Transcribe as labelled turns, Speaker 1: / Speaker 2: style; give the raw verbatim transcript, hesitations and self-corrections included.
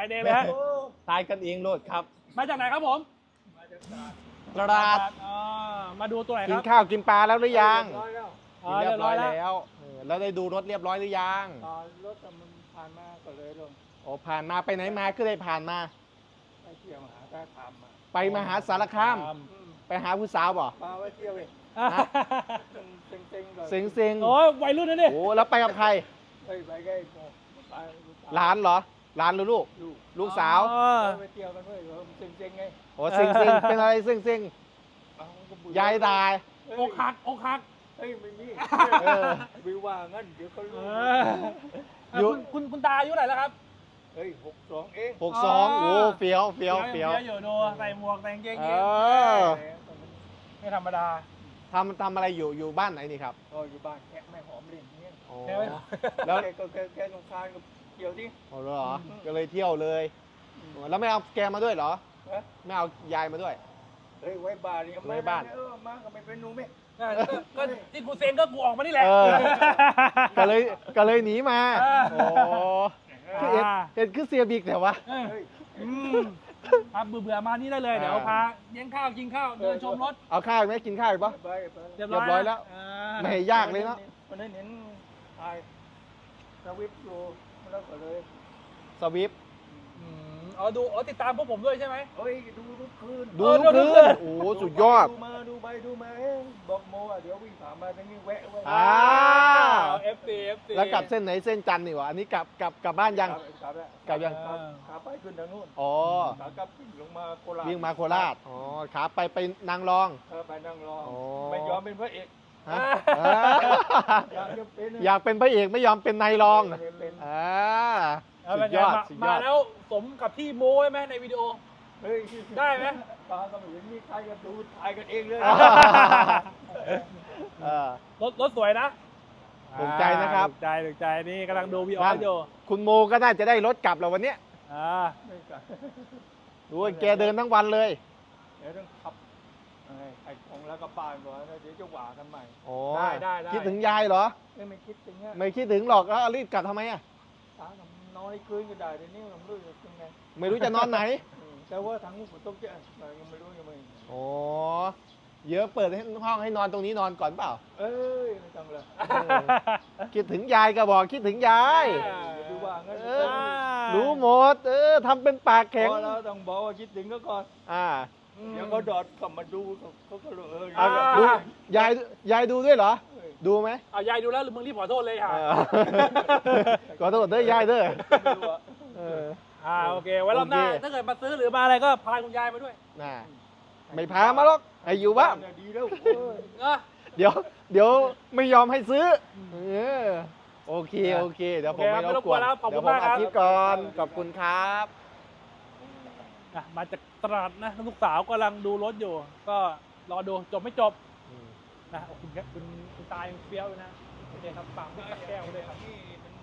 Speaker 1: เองเลยฮะ
Speaker 2: ทายกันเองโลดครับ
Speaker 1: มาจากไหนครับผม
Speaker 2: ตราด
Speaker 1: อ๋อมาดูตัวไหนค
Speaker 2: กิน
Speaker 1: รับ
Speaker 2: ข้าวกินปลาแล้วหรือยัง
Speaker 1: อ๋อ
Speaker 2: กินเรียบร้อย
Speaker 1: เรียบร้อยแล้ว
Speaker 2: แล้วเออแล้วได้ดูรถเรียบร้อยหรือยัง
Speaker 3: ตอนรถมันผ่านมาก็เลยลง
Speaker 2: โอ้ผ่านมาไปไหนมาก็ได้ผ่านมา
Speaker 3: ไปเที่ยวหาได้ทำมา
Speaker 2: ไปมหาสารคาม
Speaker 3: อืม
Speaker 2: ไปหาผู้สาวบ่
Speaker 3: ปลาไว้เที่ยวเอง
Speaker 2: ฮะ
Speaker 3: เซ็งเซ็งๆก่อน
Speaker 2: เซ็งเซ็ง
Speaker 1: โอ้ยวัยรุ่นนะเนี่ย
Speaker 2: โอ้แล้วไปกับใคร
Speaker 3: เฮ้ยไปใกล้โมไป
Speaker 2: หลานเหรอหลานหรือลูก
Speaker 3: ลูก
Speaker 2: ลูกสาว
Speaker 1: อ๋อ
Speaker 3: ไปเที่ยวกันเว้ยเออเซ็งเซ็งๆไง
Speaker 2: โอ้เซ็งเซ็งเป็นอะไรเซ็งเซ็ง
Speaker 3: เอาก็เบื่อย
Speaker 2: ายตาย
Speaker 3: เฮ้ย
Speaker 1: อกหักอกหัก
Speaker 3: เฮ้ยไม่มี
Speaker 2: เออ
Speaker 3: วิวว่างั้นเดี๋ยวเขา
Speaker 1: เอ
Speaker 3: รู้
Speaker 1: อเออคุณคุณคุณตาอายุเท่าไหร่แล้วครับ
Speaker 3: เฮ้ยหกสองเอง
Speaker 2: หกสองโอ้เฟี้ยวเฟี้ยวเฟี้ยว
Speaker 1: อยู่ดูใส่หมวกแต่งเกง
Speaker 2: เอ
Speaker 1: ยีน
Speaker 2: อ
Speaker 1: ไม่ธรรมดา
Speaker 2: ทำทำอะไรอยู่อยู่บ้านไหนนี่ครับ
Speaker 3: ก็อยู่บ้านแค่แม่หอมเล่นเนี่ย
Speaker 2: โอ้
Speaker 1: แค่ไม่
Speaker 2: แล้ว
Speaker 3: แกก็แกแกสงครานกับเกี่ยวดิ
Speaker 2: โอ้เหรอก็เลยเที่ยวเลยแล้วไม่เอาแกมาด้วยเหรอ
Speaker 3: ฮะ
Speaker 2: ไม่เอายายมาด้วย
Speaker 3: เฮ้ยไว้บ้านนี่
Speaker 2: ไว้บ้าน
Speaker 3: เออมาก็ไม่เป็นหนูไหม
Speaker 1: ก็ก็ที่กูเซ็งก็กูออกมานี่แหละ
Speaker 2: เออ ก็เลยก็เลยหนีมา
Speaker 1: เออ
Speaker 2: โอ้คือเห็นเห็นคือเสียบิ๊กแต่ว่า
Speaker 1: เออ
Speaker 3: เฮ้ย
Speaker 1: อืมครับเบื่อเบื่อๆมานี่ได้เลย เดี๋ยว
Speaker 2: อ่า
Speaker 1: พาเลี้ยงข้าวกินข้าวเดินชมรถ
Speaker 2: เอาข้าวอีกไหมกินข้าวอีกปะ
Speaker 3: ไปไป
Speaker 1: เรียบ
Speaker 2: เรียบร้อยแล้ว
Speaker 1: อ่า
Speaker 2: ไม่ยากเลยเนาะ
Speaker 3: วันนั้นเห็นถ่ายสวิปอยู่แล้วก็เลย
Speaker 2: สวิฟ
Speaker 1: อืมอ๋อดูอ๋อติดตามพวกผมด้วยใช่ไหม
Speaker 3: เฮ้ยดูทุกคืน
Speaker 2: ดู
Speaker 1: เออ
Speaker 2: ทุก
Speaker 1: ดู
Speaker 2: คื
Speaker 1: ทุกคื
Speaker 2: น
Speaker 1: น
Speaker 2: โอ้โหสุดยอด
Speaker 3: ดูมาดูไปดูมาเอ๊ะบอกโมอ่ะเดี๋ยววิ่งผ่านมาตรงนี้แวะไว้
Speaker 2: อ่า
Speaker 1: เอฟซีเอฟซี
Speaker 2: แล้วกลับเส้นไหนเส้นจันทร์นี่หวะอันนี้กลับกลับกลับบ้านยัง
Speaker 3: กลับแล้ว
Speaker 2: กลับยัง
Speaker 3: กลับขาไปขึ้นทางนู้น
Speaker 2: อ๋อ
Speaker 3: ขากลับวิ่งลงมาโคราช
Speaker 2: วิ่งมาโคราชอ๋อขาไปไปนางรอง
Speaker 3: เออไปนั่งรอ
Speaker 2: อ๋อ
Speaker 3: ไม่ยอมเป็นพระเอก
Speaker 2: ฮะอ่า
Speaker 3: อยากจะเป็น
Speaker 2: อยากเป็นพระเอกไม่ยอมเป็นนายรอง
Speaker 3: ไม่ได้เป็น
Speaker 2: อ่า
Speaker 1: เอา
Speaker 2: สุ
Speaker 1: เป็น
Speaker 2: ด
Speaker 1: ไง
Speaker 2: ยอด
Speaker 1: มา
Speaker 2: สุดย
Speaker 1: มา
Speaker 2: อด
Speaker 1: แล้วสมกับที่โม้ไว้ไหมในวิดีโอ
Speaker 3: เฮ้ย
Speaker 1: ได้ไหม
Speaker 3: ตาก็ไม่เห็นมีใครก็ดูถ่ายกันเองเลย
Speaker 2: เออ
Speaker 1: รถรถสวยนะ
Speaker 2: ถูกใจนะครับ
Speaker 1: ถูกใจถูกใจนี่กำลังดูวีออ
Speaker 2: นั่
Speaker 1: ส
Speaker 2: น
Speaker 1: อยู่
Speaker 2: คุณโมก็น่าจะได้รถกลับแล้ววันเนี้ย
Speaker 1: อ่า
Speaker 3: ไม่กล้า
Speaker 2: ดูว่าแกเดินทั้งวันเลย
Speaker 3: เดี๋ยวต้องขับไอ้ไอ้ของแล้วก็บ้านก่อนนะเดี๋ยวจะหวากันใหม่
Speaker 2: โอ้
Speaker 1: ได้ได้ได้
Speaker 2: คิดถึงยายเหรอ
Speaker 3: เอ้ยไม่คิดถึงอ่ะ
Speaker 2: ไม่คิดถึงหรอกแล้วรีบกลับทำไมอ่ะ
Speaker 3: ตากับนอนในคืนก็ได้เดี๋ยวนี้ผมไม่รู้จะยังไง
Speaker 2: ไม่รู้จะนอนไหน
Speaker 3: อืมแต่ว่าทางนู้นฝนตกเยอะเรายังไม่รู้ยังไม่
Speaker 2: โอ้เยอะเปิดให้ห้องให้นอนตรงนี้นอนก่อนเปล่า
Speaker 3: เอ้ยไม่ต้องเลย
Speaker 2: เออคิดถึงยายก็บอกคิดถึงยาย
Speaker 3: อย่าดูว่างั้น
Speaker 2: เออ รู้หมด เออทำเป็นปากแข็ง
Speaker 3: พอเราต้องบอกว่าคิดถึงก็ก่อน
Speaker 2: อ่า
Speaker 3: เดี๋ยวเขาดอดกลับมาดูเขาเขาก็เลยเออ
Speaker 2: เอา
Speaker 1: อ่า
Speaker 2: ดูยายยายดูด้วยเหรอ
Speaker 3: เอ้ย
Speaker 2: ดูไหม
Speaker 1: เอายายดูแล้วหรือมึงรีบขอโทษเลยค่ะ
Speaker 2: เออขอโทษเด้อยายเด้อ
Speaker 3: ไม่รู้อะ
Speaker 2: เออ
Speaker 1: อ่าโอเคไว้รอบหน้า
Speaker 2: โอเค
Speaker 1: ถ้าเกิดมาซื้อหรือมาอะไรก็พาคุณยายมาด้วย
Speaker 2: น่ะไม่พามาหรอกให้อยู่บ้าน
Speaker 3: เยดีแล้วเอ้ย
Speaker 1: เนอะ
Speaker 2: เดี๋ยว เดี๋ยวไม่ยอมให้ซื้อเออโอเค โอเค เดี๋ยวผมไม่รบกวน
Speaker 1: ขอบ
Speaker 2: เดี๋
Speaker 1: คุ
Speaker 2: ยวผม
Speaker 1: ณมากครับ
Speaker 2: อัดคลิปก่อน ขอบคุณครับ
Speaker 1: อ่ะมาจากตราดนะลูกสาวกำลังดูรถอยู่ ก็รอดูจบไม่จบนะโอ้คุณแค่คุณคุณตายังเฟี้ยวอยู่นะโอเคครับฝากพี่กับแก้วด้วยครับ
Speaker 3: นี่มัน